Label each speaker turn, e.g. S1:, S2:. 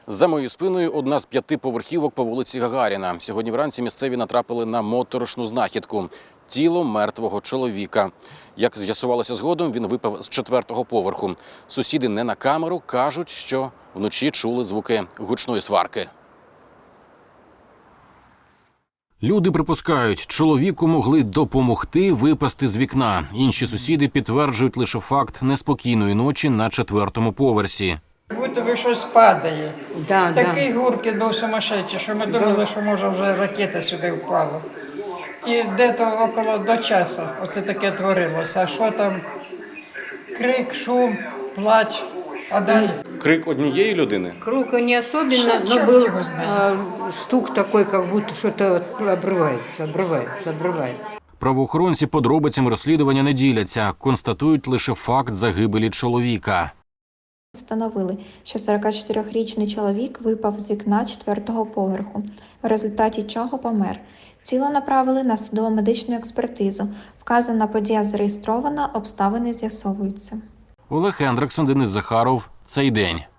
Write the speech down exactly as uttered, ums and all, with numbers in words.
S1: За моєю спиною одна з п'яти поверхівок по вулиці Гагаріна. Сьогодні вранці місцеві натрапили на моторошну знахідку – тіло мертвого чоловіка. Як з'ясувалося згодом, він випав з четвертого поверху. Сусіди не на камеру кажуть, що вночі чули звуки гучної сварки. Люди припускають, чоловіку могли допомогти випасти з вікна. Інші сусіди підтверджують лише факт неспокійної ночі на четвертому поверсі.
S2: Будто би щось падає.
S3: Да,
S2: Такий да. гуркіт був сумасшедший, що ми думали, да. що може вже ракета сюди впала. І десь около до часу оце таке творилося. А що там? Крик, шум, плач. А далі?
S1: Крик однієї людини?
S3: Крик не особенно,
S2: Черт
S3: но
S2: его
S3: был
S2: знает.
S3: а, стук такой, как будто что-то обрывается, обрывается, обрывается.
S1: Правоохоронці подробицями розслідування не діляться, констатують лише факт загибелі чоловіка.
S4: Встановили, що сорокачотирирічний чоловік випав з вікна четвертого поверху, в результаті чого помер. Тіло направили на судово-медичну експертизу. Вказана подія зареєстрована, обставини з'ясовуються.
S1: Олег Ендрексон, Денис Захаров. Цей день.